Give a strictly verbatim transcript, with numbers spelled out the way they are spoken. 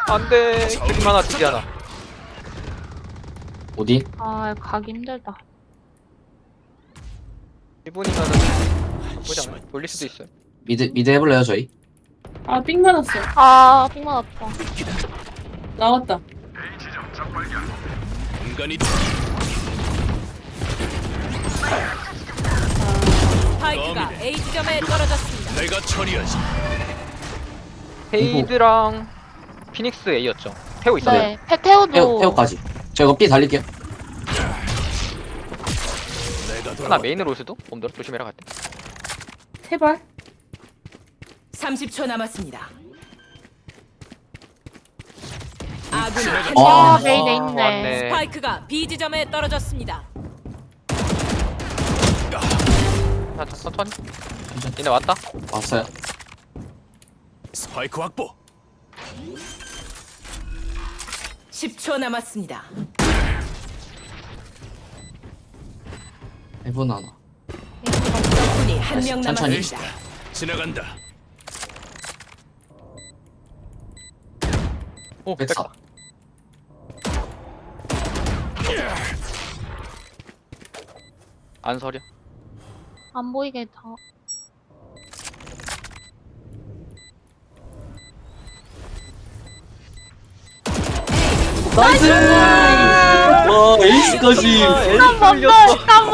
안돼. 드림 하나 드리 하나. 어디? 아 가기 힘들다. 일 분이면은 보지 않아? 돌릴 수도 있어요. 미드 미드 해볼래요 저희? 아, 삥 맞았어. 아 빅만 아파. 나왔다. 공간이 스파이크가 A 지점에 떨어졌습니다. 내가 처리하지. 헤이드랑 피닉스 A였죠. 태우 있어요. 네. 페테오도 태호 태호까지. 저 이거 B 달릴게요. 내가 하나 돌아. 메인으로 올 수도? 봄들어 조심해라 갈 때. 태발. 삼십 초 남았습니다. 아군이 지나가- 한 아 명 메인에 아, 있네. 왔네. 스파이크가 B 지점에 떨어졌습니다. 자, 자, 천천히. 얘네 왔다. 왔어요. 스파이크 확보. 십 초 남았습니다. 해본 하나. 적군이 한 명 천천히. 남았습니다. 지나간다. 오, 백사. 뺐다. 안 서려. 안 보이게 다. 나이스! 와 에이스까지. 아, 한 번 더.